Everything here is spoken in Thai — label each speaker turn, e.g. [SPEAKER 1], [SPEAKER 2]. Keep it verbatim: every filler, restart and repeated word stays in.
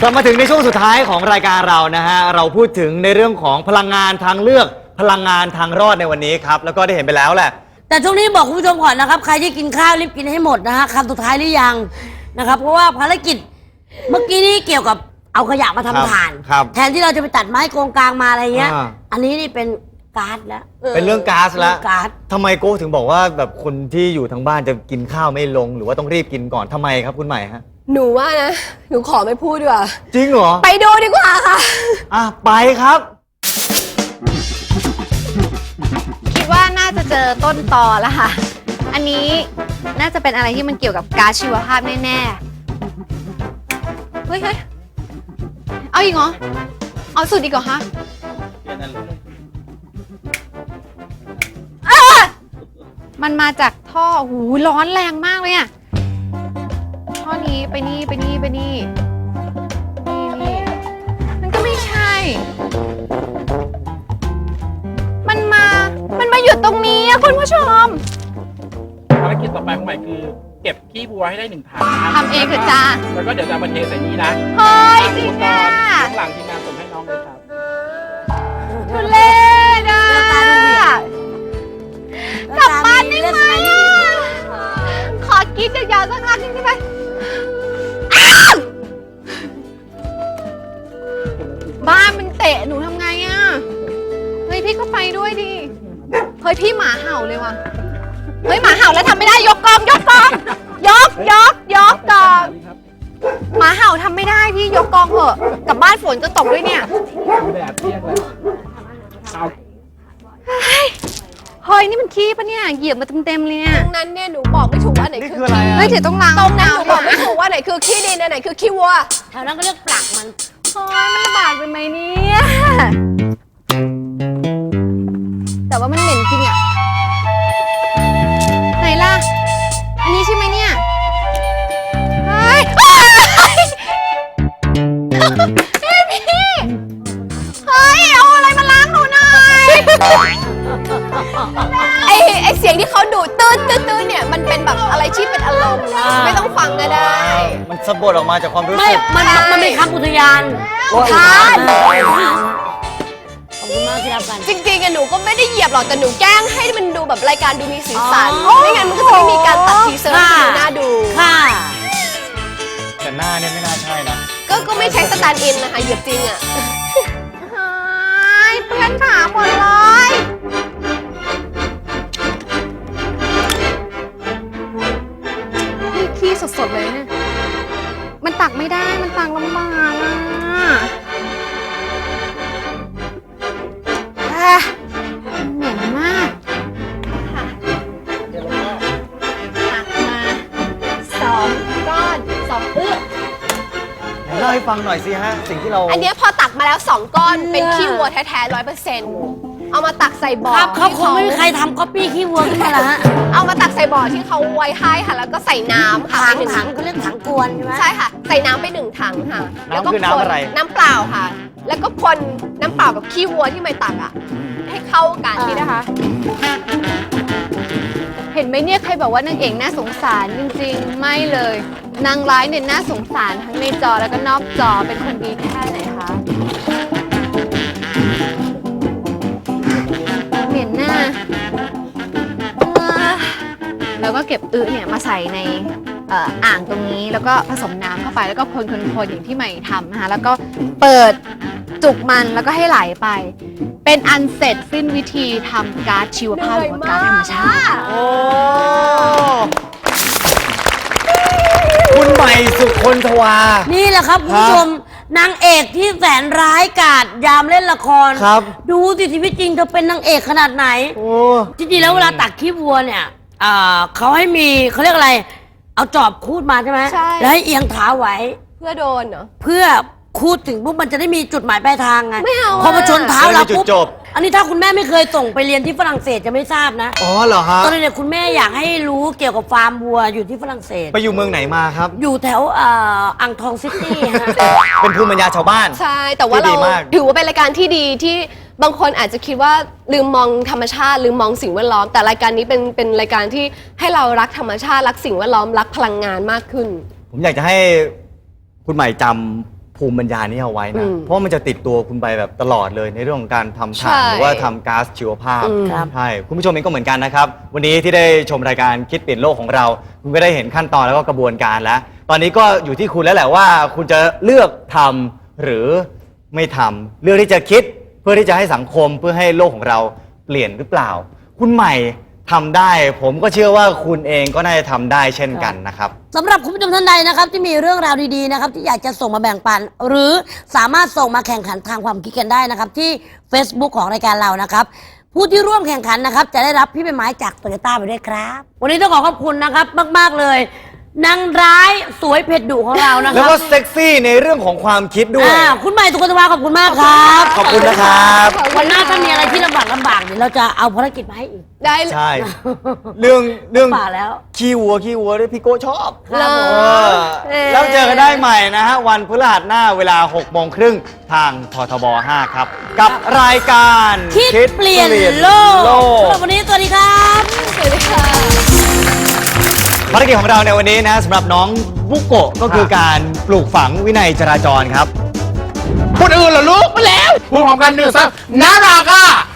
[SPEAKER 1] กลับมาถึงในช่วงสุดท้ายของรายการเรานะฮะเราพูดถึงในเรื่องของพลังงานทางเลือกพลังงานทางรอดในวันนี้ครับแล้วก็ได้เห็นไปแล้วแหละ
[SPEAKER 2] แต่ช่วงนี้บอกคุณผู้ชมก่อนนะครับใครที่กินข้าวรีบกินให้หมดนะฮะคำสุดท้ายหรือยังนะครับเพราะว่าภารกิจเมื่อกี้นี้เกี่ยวกับเอาขยะมาทำถ่านแทนที่เราจะไปตัดไม้โกงกลางมาอะไรเงี้ยอันนี้นี่เป็นก๊าซแล้ว
[SPEAKER 1] เป็นเรื่องก๊าซแล้ว
[SPEAKER 2] ก๊าซ
[SPEAKER 1] ทำไมโก้ถึงบอกว่าแบบคนที่อยู่ทางบ้านจะกินข้าวไม่ลงหรือว่าต้องรีบกินก่อนทำไมครับคุณใหม่ฮะ
[SPEAKER 3] หนูว่านะหนูขอไม่พูดดีกว่า
[SPEAKER 1] จริงเหรอ
[SPEAKER 3] ไปดูดีกว่าค่ะ
[SPEAKER 1] อ่ะไปครับ
[SPEAKER 4] คิดว่าน่าจะเจอต้นตอแล้วค่ะอันนี้น่าจะเป็นอะไรที่มันเกี่ยวกับก๊าซชีวภาพแน่ๆเฮ้ยเฮ้ยเอาอีกเหรอเอาสุดอีกเหรอคะมันมาจากท่อหูร้อนแรงมากเลยอะท่อนี้ไปนี่ไปนี่ไปนี่นี่นี่มันก็ไม่ใช่มันมามันมาอยู่ตรงนี้อะคุณผู้ชม
[SPEAKER 5] ภารกิจต่อไปของใหม่คือเก็บขี้วัวให้ได้หนึ่งถัง
[SPEAKER 4] ทำเองเถอะจ้า
[SPEAKER 5] แล้วก็เดี๋ยวจะมาเทใส่นี้นะ
[SPEAKER 4] เฮ้ยจริงอ่ะ
[SPEAKER 5] ข้างหลังทีมงานส่งให้น้องเลยครับ
[SPEAKER 4] ทุเรศอ่ะกลับบ้านได้ไหมขอกินยาวๆสักครั้งนึงได้ไหมบ้านมันเตะหนูทำไงอ่ะเฮ้ยพี่ก็ไปด้วยดิเฮ้ยพี่หมาเห่าเลยว่ะเฮ้ยหมาเห่าแล้วทำไม่ได้ยกกองยกกองยกยกยกกองหมาเห่าทำไม่ได้พี่ยกกองเถอะกลับบ้านฝนจะตกด้วยเนี่ย
[SPEAKER 5] แดดเปรี้ยงเลยเอา
[SPEAKER 4] เฮ้ยนี่มันขี้ปะเนี่ยเหยียบมาเต็มๆเลยเนี่ย
[SPEAKER 3] ตรงนั้นเนี่ยหนูบอกไม่ถูกว่าไหนคือ
[SPEAKER 1] ขี้
[SPEAKER 4] เฮ้ยเดี๋ยวต้องล้าง
[SPEAKER 3] ตรงนั้นหนูบอกไม่ถูกว่าไหนคือขี้ดินไหนคือขี้วัว
[SPEAKER 2] แถวนั้นก็เรียกปลักมัน
[SPEAKER 4] เฮ้ยมันลำบากไปไหมเนี่ยแต่ว่ามันเหม็นจริงอะไหนล่ะอันนี้ใช่ไหมเนี่ยเฮ้ยเฮ้ยพี่เฮ้ยเอาอะไรมาล้างหนูหน่อย
[SPEAKER 3] ไอไอเสียงที่เขาดูดตื้นตื้นตื้นเนี่ยมันเป็นแบบอะไรที่เป็นอารมณ์ไม่ต้องฟังก็ได้
[SPEAKER 1] มันสะบัดออกมาจากความรู้สึก
[SPEAKER 2] ไม่มันมันเป็นคำอุทยาน
[SPEAKER 3] อุทาน
[SPEAKER 2] ขอบคุณมากที่รับกัน
[SPEAKER 3] จริงๆหนูก็ไม่ได้เหยียบหรอกแต่หนูแกล้งให้มันดูแบบรายการดูมีสีสันไม่งั้นมันก็จะไม่มีการตัดทีเซอร์ให้ดูน่าดู
[SPEAKER 2] ค่ะ
[SPEAKER 1] แต่หน้าเนี่ยไม่น่าใช่นะ
[SPEAKER 3] ก็ก็ไม่ใช้สแตนด์อินนะคะเหยียบจริงอ่ะ
[SPEAKER 4] เพื่อนขาหมดเลย ขี้สดๆเลยเนี่ยมันตักไม่ได้มันตักลำบากอ่ะเหม็นมากค่ะตักมาสองก้อนสองอึ๊
[SPEAKER 1] เล่าให้ฟังหน่อยสิฮะสิ่งที่เรา
[SPEAKER 3] อันนี้พอตักมาแล้วสองก้อนเป็นขี้วัวแท้ๆร้อยเปอร์เซ็นต์เอามาตักใส่บ่อ
[SPEAKER 2] ครับเขาคงไม่มีใครทำก๊อปปี้ขี้วัวขึ้นมาละฮะ
[SPEAKER 3] เอามาตักใส่บ่อที่เขาไว้ให้ค่ะแล้วก็ใส่น้ำค่ะ
[SPEAKER 2] ถังถังเขาเรียกถังกวนใช่ไหม
[SPEAKER 3] ใช่ค่ะใส่น้ำไปหนึ่งถังค่ะ
[SPEAKER 1] แล้วก็น้ำอะไร
[SPEAKER 3] น้ำเปล่าค่ะแล้วก็คนน้ำเปล่ากับขี้วัวที่ไม่ตักอ่ะให้เข้ากันนี่นะคะ
[SPEAKER 4] เห็นไหมเนี่ยใครบอกว่านางเอกน่าสงสารจริงๆไม่เลยนางร้ายเนี่ยน่าสงสารทั้งในจอแล้วก็นอกจอเป็นคนดีแค่ไหนคะเหม็นหน้าแล้วก็เก็บอึเนี่ยมาใส่ในอ่างตรงนี้แล้วก็ผสมน้ำเข้าไปแล้วก็คนๆๆอย่างที่ใหม่ทำนะคะแล้วก็เปิดจุกมันแล้วก็ให้ไหลไปเป็นอันเสร็จสิ้นวิธีทำก๊าซชีวภาพหรือว่าก๊าซธรรมชาติ
[SPEAKER 1] โอ้คุณใหม่สุคนทวา
[SPEAKER 2] นี่แหละครับคุณผู้ชมนางเอกที่แสนร้ายกาจยามเล่นละคร
[SPEAKER 1] ครับ
[SPEAKER 2] ดูสิชีวิตจริงเธอเป็นนางเอกขนาดไหนโอ้จริงๆแล้วเวลาตักขี้วัวเนี่ยเขาให้มีเขาเรียกอะไรเอาจอบคูดมาใช่ไหม
[SPEAKER 3] ใช่
[SPEAKER 2] แล้วให้เอียงเท้าไว้
[SPEAKER 3] เพื่อโดนเหรอ
[SPEAKER 2] เพื่อคูดถึงปุ๊บมันจะได้มีจุดหมายปลายทางไง
[SPEAKER 3] ไม่เอา
[SPEAKER 2] พอมาชนเท้าเราปุ๊บอันนี้ถ้าคุณแม่ไม่เคยส่งไปเรียนที่ฝรั่งเศสจะไม่ทราบนะ
[SPEAKER 1] อ๋อเหรอฮะ
[SPEAKER 2] ตอนนี้คุณแม่อยากให้รู้เกี่ยวกับฟาร์มวัวอยู่ที่ฝรั่งเศส
[SPEAKER 1] ไปอยู่เมืองไหนมาครับ
[SPEAKER 2] อยู่แถวอ่างทองซิตี้ฮะ
[SPEAKER 1] เป็นภูมิปัญญาชาวบ้าน
[SPEAKER 3] ใช่แต่ว่าเราถือว่าเป็นรายการที่ดีที่บางคนอาจจะคิดว่าลืมมองธรรมชาติลืมมองสิ่งแวดล้อมแต่รายการนี้เป็นเป็นรายการที่ให้เรารักธรรมชาติรักสิ่งแวดล้อมรักพลังงานมากขึ้น
[SPEAKER 1] ผมอยากจะให้คุณใหม่จภูมิปัญญานี้เอาไว้นะ
[SPEAKER 3] อืม
[SPEAKER 1] เพราะมันจะติดตัวคุณไปแบบตลอดเลยในเรื่องของการทำ
[SPEAKER 3] ใช่
[SPEAKER 1] ถ่านหรือว่าทำก๊าซชีวภาพ
[SPEAKER 3] อืม
[SPEAKER 2] ครับ
[SPEAKER 1] ใช่คุณผู้ชมเองก็เหมือนกันนะครับ วันนี้ที่ได้ชมรายการคิดเปลี่ยนโลกของเรา คุณก็ได้เห็นขั้นตอนแล้วก็กระบวนการแล้ว ตอนนี้ก็อยู่ที่คุณแล้วแหละว่า คุณจะเลือกทำหรือไม่ทำเลือกที่จะคิดเพื่อที่จะให้สังคมเพื่อให้โลกของเราเปลี่ยนหรือเปล่า คุณใหม่ทำได้ ผมก็เชื่อว่าคุณเองก็น่าจะทำได้เช่นกันนะครับ
[SPEAKER 2] สำหรับคุณผู้ชมท่านใดนะครับที่มีเรื่องราวดีๆนะครับที่อยากจะส่งมาแบ่งปัน หรือสามารถส่งมาแข่งขันทางความคิดกันได้นะครับที่ Facebook ของรายการเรานะครับผู้ที่ร่วมแข่งขันนะครับจะได้รับพี่ใบไม้จากโตโยต้าไปด้วยครับ วันนี้ต้องขอขอบคุณนะครับมากๆเลยนางร้ายสวยเผ็ดดุของเรานะค
[SPEAKER 1] แล้ว
[SPEAKER 2] รับ
[SPEAKER 1] ก็เซ็กซี่ในเรื่องของความคิดด้วย
[SPEAKER 2] อ่าคุณใหม่สุขสวัสดิ์ขอบคุณมากครับ
[SPEAKER 1] ขอบคุณนะครับ
[SPEAKER 2] วันหน้าถ้ามีอะไรที่ลำบากลำบากเดี๋ยวเราจะเอาภารกิจมาให้อีก
[SPEAKER 3] ได้
[SPEAKER 1] ใช่ เรื่องเรื่อง
[SPEAKER 2] ป่าแล้ว
[SPEAKER 1] ขี้วัวขี้วัวด้วยพี่โก้ชอบ
[SPEAKER 2] ครับผม
[SPEAKER 1] เออแล้วเจอกันได้ใหม่นะฮะ วันพฤหัสหน้าเวลาหกโมงครึ่งทางททบห้าครับ กับรายการ
[SPEAKER 2] คิดเปลี่ยนโลก
[SPEAKER 1] โล
[SPEAKER 2] สำหรั
[SPEAKER 1] ก
[SPEAKER 2] บวันนี้สวัสดีครับ
[SPEAKER 3] สวัสดีค่ะ
[SPEAKER 1] ภารกิจของเราในวันนี้นะสำหรับน้องบุโกะก็คือการปลูกฝังวินัยจราจรครับ
[SPEAKER 5] คนอื่นเหรอลูกมาแล้วพูดพร้อมกันหนึ่งสองน่ารักอ่ะ